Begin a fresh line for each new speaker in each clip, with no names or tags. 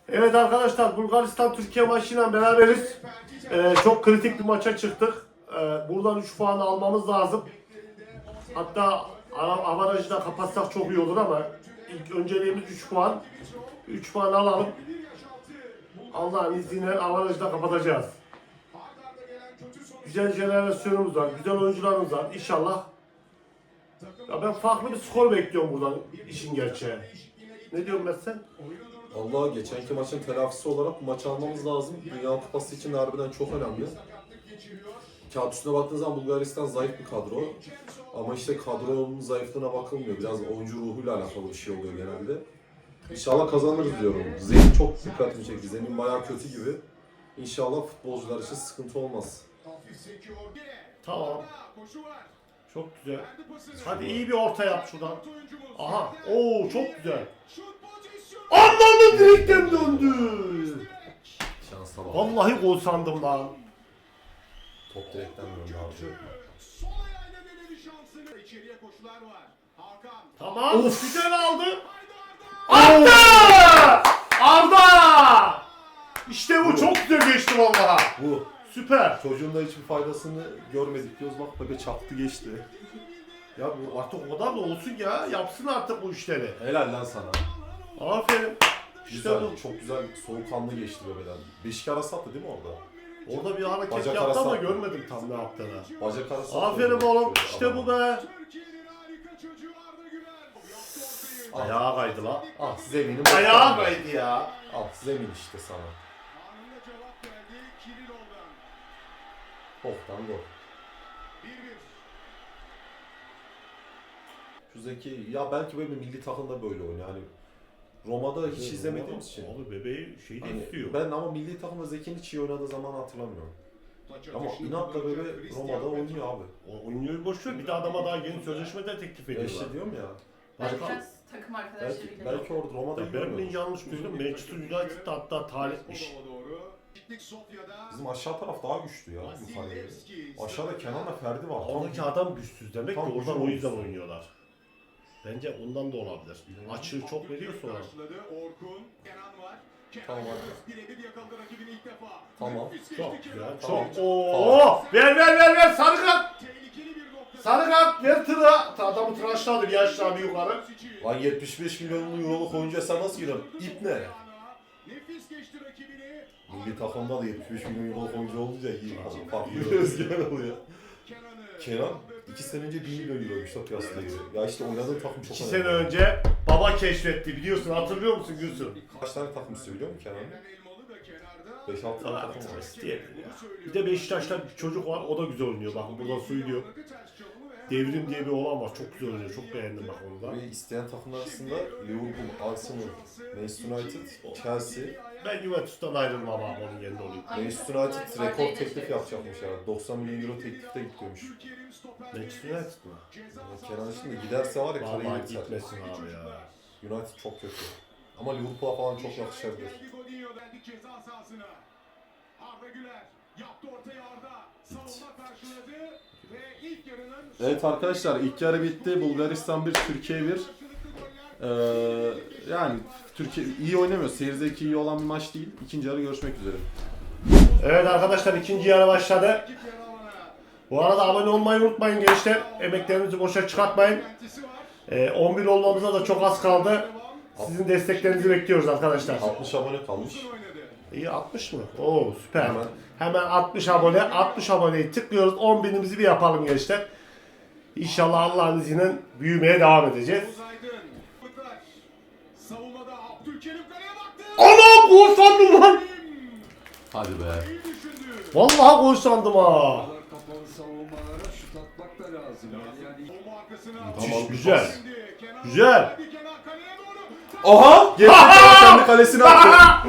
Evet arkadaşlar, Bulgaristan-Türkiye maçıyla beraberiz. Çok kritik bir maça çıktık. Buradan 3 puan almamız lazım. Hatta avarajı da kapatsak çok iyi olur ama ilk önceliğimiz 3 puan. 3 puan alalım. Allah'ın izniyle avarajı da kapatacağız. Güzel jenerasyonumuz var, güzel oyuncularımız var. İnşallah. Ya ben farklı bir skor bekliyorum buradan, işin gerçeği. Ne diyorsun Mesut?
Allah geçenki maçın telafisi olarak bu maçı almamız lazım. Dünya Kupası için de harbiden çok önemli. Kağıt üstüne baktığınız zaman Bulgaristan zayıf bir kadro. Ama işte kadronun zayıflığına bakılmıyor. Biraz oyuncu ruhuyla alakalı bir şey oluyor genelde. İnşallah kazanırız diyorum. Zemin çok dikkatimi çekti. Zemin bayağı kötü gibi. İnşallah futbolcular için sıkıntı olmaz.
Tamam. Çok güzel. Hadi iyi bir orta yap şuradan. Aha. Oo çok güzel. Anlamlı direkten döndü.
Şansa bak.
Vallahi gol sandım lan.
Top direkten döndü abi.
Tamam. Of. Güzel aldı. Arda! Arda! İşte bu çok güzel geçti vallahi.
Bu.
Süper.
Çocuğun da hiçbir faydasını görmedik diyoruz. Bak bebe çaktı geçti.
Ya bu artık o kadar da olsun ya. Yapsın artık bu işleri.
Helal lan sana.
Aferin. İşte
Güzel,
bu.
çok güzel soğukkanlı geçti bebeden. Beşik arası attı değil mi orada?
Orada bir hareket
Bacak
yaptı
arası
ama
attı.
görmedim tam ne yaptığını.
Bacak arası attı.
Aferin oğlum. İşte bu be.
Ah.
Ayağa kaydı la.
Ah zeminim.
Ayağa kaydı ya.
Ah zemin işte sana. Boktan gol. Şu Zeki, ya belki böyle milli takımda böyle oynuyor. Hani Roma'da hiç izlemediğimiz için.
Abi bebeği şey de
Hani
istiyor.
ben ama milli takımda Zeki'nin hiç iyi oynadığı zaman hatırlamıyorum. Ama inatla bebe Roma'da oynuyor abi.
O oynuyor boş ver. Bir de adama daha yeni sözleşme de teklif
Ya
ediyorlar.
işte diyorum ya.
Başka?
Biraz takım arkadaşlarıyla.
Belki orada Roma'da iyi
Ben mi
oynuyor.
yanlış duydum? Manchester United'da hatta talipmiş.
Bizim aşağı taraf daha güçlü ya yukarıya göre. Aşağıda Kenan'la Ferdi var.
Oradaki adam güçsüz demek ki
Tam
oradan
güçlü
o yüzden
olmuş.
oynuyorlar. Bence ondan da olabilir. Açığı çok veriyor sonra.
Tamam hadi. Tamam.
Çok güzel.
Tamam.
Çok. Oo! Ver sarı kart. Sarı kart ver tıra. Adamı tıraşladı bir aşağı bir yukarı.
Lan 75 milyon euroluk oyuncuya sen nasıl giriyorsun? İp ne? Milli takımda da 75 milyon euroluk oyuncu olunca iyi. Farklı özgüven oluyor. Kenan 2 sene önce 1 milyon euroymuş da piyasada göre. Ya işte oynadığı takım çok
2
önemli.
sene önce baba keşfetti biliyorsun, hatırlıyor musun Gülsün?
Kaç tane takım istiyor biliyor musun Kenan? 5-6 tane takım var.
Bir de Beşiktaş'ta bir çocuk var, o da güzel oynuyor, bakın burada söylüyor. Devrim diye bir olan var, çok güzel oynuyor, çok beğendim bak onu da.
Ve isteyen takımlar arasında Liverpool, Arsenal, Manchester United, Chelsea.
Ben Juventus'tan ayrılmam abi, onun yerinde olayım.
Manchester United rekor teklif yapacakmış herhalde. 90 milyon euro teklifte gidiyormuş.
Manchester United mı?
Yani Kenan şimdi giderse var ya
Vallahi
kariyeri biter.
gitmesin abi ya.
United çok kötü. Ama Liverpool'a falan çok yakışabilir. Evet arkadaşlar ilk yarı bitti. Bulgaristan 1, Türkiye 1. Yani Türkiye iyi oynamıyor. Seyir zevki iyi olan bir maç değil. İkinci yarı görüşmek üzere.
Evet arkadaşlar, ikinci yarı başladı. Bu arada abone olmayı unutmayın gençler. Emeklerinizi boşa çıkartmayın. 11 olmamıza da çok az kaldı. Sizin desteklerinizi bekliyoruz arkadaşlar.
60 abone kalmış.
İyi, 60 mı? Oo süper.
Hemen.
Hemen 60 abone. 60 aboneyi tıklıyoruz. 10.000'imizi bir yapalım gençler. İnşallah Allah'ın izniyle büyümeye devam edeceğiz. Anam gol sandım lan.
Hadi be.
Vallahi gol sandım ha.
Kapalı savunmalara şut atmak da lazım.
Tamam,
Güzel. Güzel.
Aha! Gerçekten kendi kalesine attı.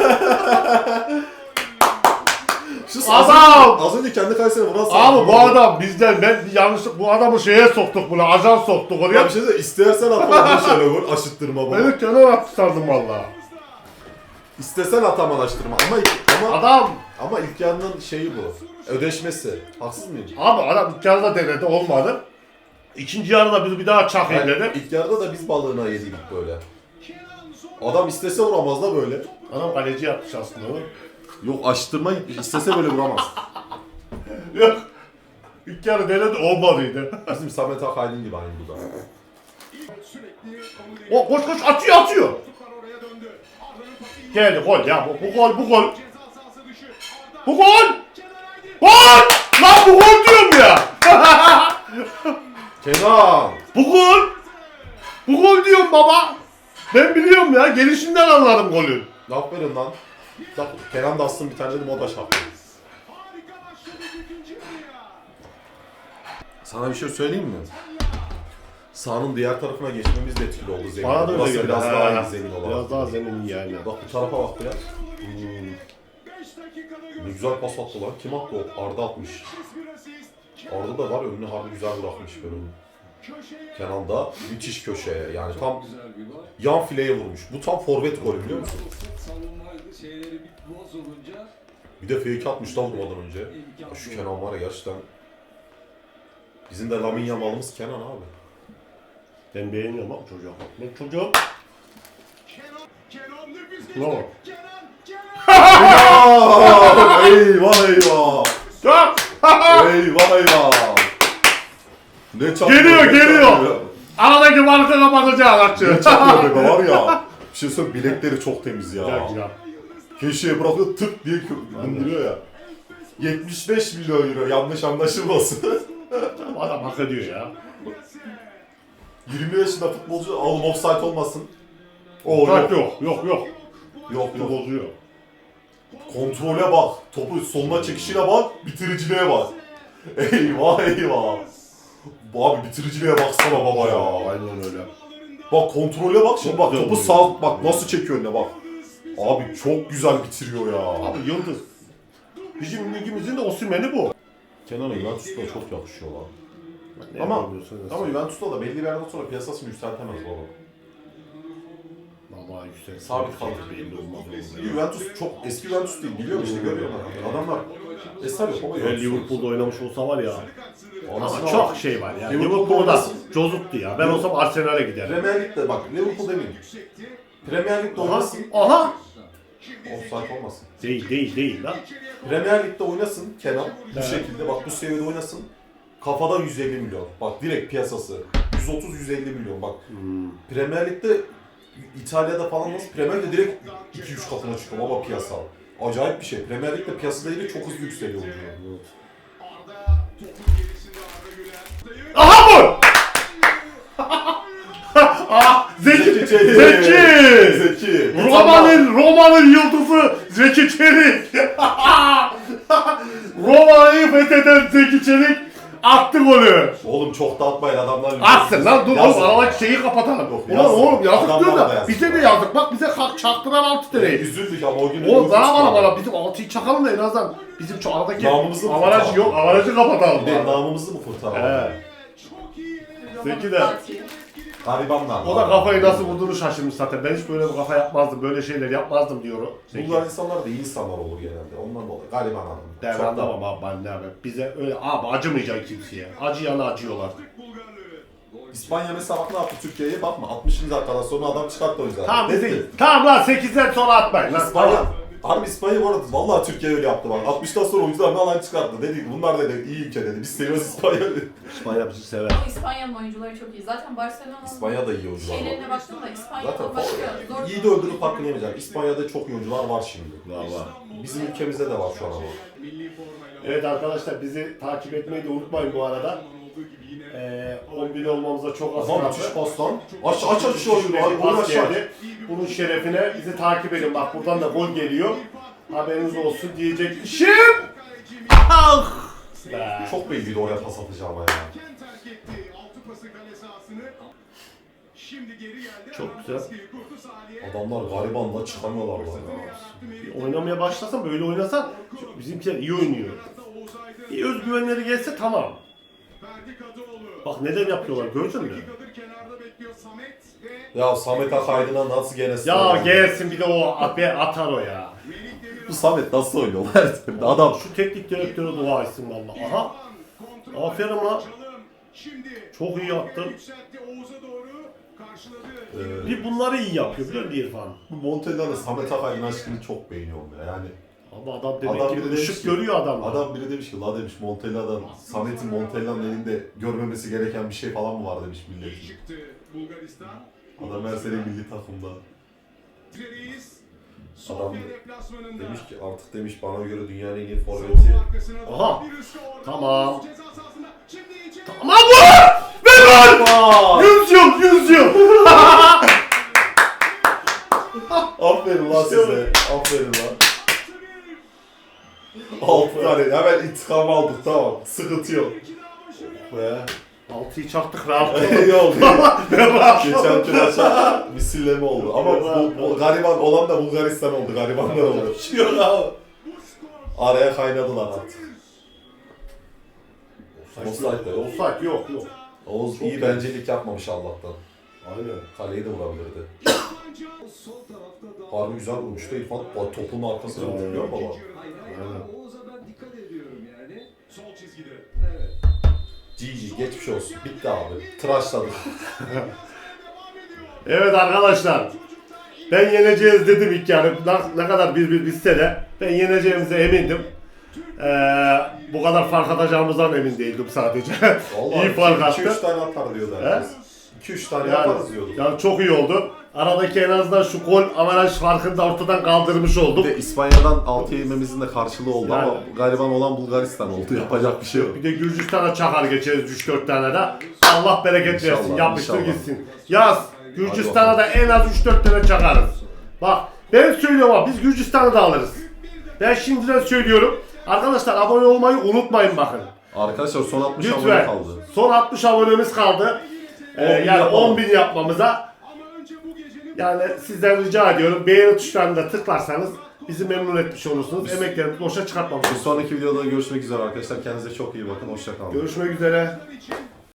Adam!
Az önce kendi kalesine vuran
Abi bu adam bizden, ben yanlışlık bu adamı şeye soktuk, bunu ajan soktuk
Ya
oraya.
bir şey söyle, istersen atma bu şöyle vur, aşıttırma bana.
Beni kenar attı sandım valla.
İstesen atamalaştırma ama
Adam!
ama ilk yarının şeyi bu. Ödeşmesi. Haksız mıyım?
Abi adam ilk yarıda denedi, olmadı. İkinci yarıda biz bir daha çakayım
Yani
dedi.
ilk yarıda da biz balığına yedik böyle. Adam istese vuramaz da böyle.
Adam kaleci yapmış aslında onu.
Yok açtırma istese böyle vuramaz.
Yok. İlk yarı denedi olmadıydı.
Bizim Samet Akaydın gibi aynı bu da.
O koş koş atıyor. Geldi gol ya bu gol. Bu gol! Gol! Lan bu gol diyorum ya.
Kenan!
Bu gol diyorum baba. Ben biliyorum ya. Gelişinden anladım golü.
Aferin lan. Bak Kenan da aslında bir tane dedim o da şaptı. Sana bir şey söyleyeyim mi? Sahanın diğer tarafına geçmemiz de etkili oldu zemin.
Bana da öyle
Burası
geldi.
biraz
Ha.
daha iyi zemin olarak.
Biraz daha zemin yani.
Bak bu tarafa bak biraz. Ne güzel pas attı lan. Kim attı o? Arda atmış. Arda da var önünü harbi güzel bırakmış böyle. Kenan da müthiş köşeye yani tam
Güzel bir gol.
yan fileye vurmuş. Bu tam forvet golü biliyor musun?
Savunmaydı, şeyleri bir bozulunca
Bir de fake atmış da vurmadan önce. Ya şu Kenan var ya gerçekten. Bizim de Lamine Yamal'ımız Kenan abi.
Ben beğeniyorum bak çocuğa bak. Ben çocuğum. Bravo.
Eyvah eyvah.
Ya!
Eyvah eyvah. Ne çarpıyor?
Geliyor. Aradaki farkı kapatacağız
Ne
açı.
çarpıyor be var ya. Bir şey söyleyeyim bilekleri çok temiz ya.
Ya.
Köşeye bırakıyor tık diye indiriyor ya. 75 milyon euro yanlış anlaşılmasın.
Adam hak ediyor ya.
20 yaşında futbolcu oğlum offside olmasın. O
Bak
yok.
yok.
Yok yok.
Bozuyor.
Kontrole bak. Topu soluna çekişine bak. Bitiriciliğe bak. Eyvah eyvah. Bu abi bitiriciliğe baksana baba ya.
Aynen öyle.
Bak kontrole bak şimdi bak
Güzel
topu
vuruyor.
sağ bak nasıl çekiyor önüne bak. Abi çok güzel bitiriyor ya.
Abi yıldız. Bizim ligimizin de Osimhen'i bu.
Kenan'a Juventus'ta çok yakışıyor lan.
Ne
Ama
yapıyorsun sen?
Juventus'ta da belli bir yerden sonra piyasasını yükseltemez baba.
Vallahi yüksek.
Sabit kaldı.
Belli olmaz.
Juventus çok eski Juventus değil biliyor musun? Görüyorlar. Adamlar eser yok ama
Eğer Liverpool'da oynamış olsa var ya. Ama
Anasını
çok
al.
şey var ya.
Liverpool'da
Liverpool'da
oynasın.
cozuttu ya. Ben olsam Arsenal'e giderim.
Premier Lig'de bak Liverpool demeyeyim. Premier Lig'de oynasın.
Aha.
Offside olmasın.
Değil lan.
Premier Lig'de oynasın Kenan. Bu
Evet.
şekilde bak bu seviyede oynasın. Kafadan 150 milyon. Bak direkt piyasası. 130-150 milyon bak. Premier Lig'de İtalya'da falan nasıl? Premier Lig'de direkt 2-3 katına çıkıyor baba piyasa. Acayip bir şey. Premier Lig'de piyasa değeri çok hızlı yükseliyor.
Aha bu! Zeki!
Zeki!
Roma'nın yıldızı Zeki Çelik. Roma'yı fetheden Zeki Çelik attı golü.
Oğlum çok da atmayın adamlar.
Atsın lan dur
Yazık.
oğlum aradaki şeyi kapatalım.
Yok,
Ulan
yazık.
oğlum yazık
Adamlar
diyor
da
da
yazık.
bize de yazık. Bak bize çaktıran 6 TL'yi.
Üzüldük ama o gün
Oğlum bana bizim 6'yı çakalım da en azından bizim şu aradaki
Namımızı mı
avarajı
kurtaralım?
yok avarajı kapatalım.
Bir de
bari.
namımızı mı kurtaralım?
He. Zeki de.
Garibanlar.
O da kafayı nasıl vurduğunu şaşırmış zaten. Ben hiç böyle bir kafa yapmazdım, böyle şeyler yapmazdım diyor o.
Bunlar insanlar da iyi insanlar olur genelde. Ondan dolayı. Gariban adam.
Ben
Çok da-
anlamam abi ben ne abi. Bize öyle abi acımayacak kimseye. Acıyana acıyorlar.
İspanya mesela bak ne yaptı Türkiye'ye bakma 60. dakikadan sonra adam çıkarttı o yüzden.
Tamam
Dedi.
bizi. Tamam lan 8'den sonra atmayın lan.
İspanya.
Tamam.
Harbi İspanya bu arada vallahi Türkiye öyle yaptı bak. 60'tan sonra oyuncularını alan çıkarttı. Dedi bunlar dedi iyi ülke dedi. Biz seviyoruz İspanya dedi.
İspanya bizi sever.
Ama İspanya'nın oyuncuları çok iyi. Zaten Barcelona'nın
İspanya da iyi oyuncular var.
şeylerine baktım da İspanya'dan
Zaten
başka zor.
iyi de öldürüp hakkını yemeyecek. İspanya'da çok iyi oyuncular var şimdi.
Valla.
Bizim ülkemizde de var şu an ama.
Evet arkadaşlar bizi takip etmeyi de unutmayın bu arada. 10.000 olmamıza çok az
Adam müthiş pas lan. Aç şu oyunu.
Bir
Oyun
pas
aç.
geldi. Bunun şerefine bizi takip edin. Bak buradan da gol geliyor. Haberiniz olsun diyecek işim. Ah! Be.
Çok belliydi oraya pas atacağım ya.
Çok güzel.
Adamlar garibanla çıkamıyorlar lan ya.
Oynamaya başlasan böyle oynasan bizimkiler iyi oynuyor. Bir özgüvenleri gelse tamam. Bak neden yapıyorlar gördün mü?
Ya Samet Akaydın'a nasıl gene
Ya gelsin bir de o atar o ya.
Bu Samet nasıl oynuyor? Adam
Şu teknik direktöre dua etsin valla. Aha. Aferin lan. Çok iyi yaptın. Bir bunları iyi yapıyor biliyor musun İrfan?
Bu Montella'nın Samet Akay'ın aşkını çok beğeniyorum ya. Yani
Ama adam demek
adam
ki
biri demiş
ışık
ki,
görüyor adam.
adam biri demiş ki la demiş Montella'dan Samet'in Montella'nın elinde görmemesi gereken bir şey falan mı var demiş milletin. Adam her sene milli takımda.
Adam demiş ki artık demiş bana göre dünyanın en iyi forveti.
Aha. Tamam. Tamam bu! Ver lan! 100 yıl, 100 yıl.
Aferin lan size. Aferin lan. 6 tane hemen intikam aldık tamam. Sıkıntı yok. Be.
6'yı çaktık rahat.
İyi oldu. Geçenki maça misilleme oldu. Ama bu gariban olan da Bulgaristan oldu. Garibanlar oldu. Yok abi. Araya kaynadılar artık. Offside de yok.
Offside yok yok.
Oğuz iyi bencillik yapmamış Allah'tan.
Aynen.
Kaleyi de vurabilirdi. Harbi güzel vurmuştu İrfan. Topun arkasına vurdu biliyor musun baba?
Aynen. Oğuz'a ben dikkat ediyorum yani.
Sol çizgide.
Evet.
GG geçmiş olsun. Bitti abi. Tıraşladık.
Evet arkadaşlar. Ben yeneceğiz dedim ilk yarı. Ne kadar 1-1 bitse de ben yeneceğimize emindim. Bu kadar fark atacağımızdan emin değildim sadece.
Vallahi
İyi fark
2-3
attı.
tane atar diyordu herkes. 2-3 tane
Yani,
yaparız diyordu.
yani çok iyi oldu. Aradaki en azından şu gol avaraj farkını da ortadan kaldırmış
Bir
olduk.
de İspanya'dan 6 yememizin de karşılığı oldu
Yani.
ama gariban olan Bulgaristan oldu. Yapacak bir şey yok.
Bir de Gürcistan'a çakar geçeriz 3-4 tane de. Allah bereket
İnşallah,
versin. Yapıştır
inşallah.
gitsin. Yaz. Gürcistan'a da en az 3-4 tane çakarız. Bak ben söylüyorum abi biz Gürcistan'ı da alırız. Ben şimdiden söylüyorum. Arkadaşlar abone olmayı unutmayın bakın.
Arkadaşlar son 60 abone
Lütfen.
kaldı.
Son 60 abonemiz kaldı.
10.000
Yani
yapalım.
10.000 yapmamıza. Yani sizden rica ediyorum. Beğeni tuşlarına da tıklarsanız bizi memnun etmiş olursunuz. Emeklerimizi boşa çıkartmamış
Bir
olursunuz.
sonraki videoda görüşmek üzere arkadaşlar. Kendinize çok iyi bakın. Hoşça kalın.
Görüşmek üzere.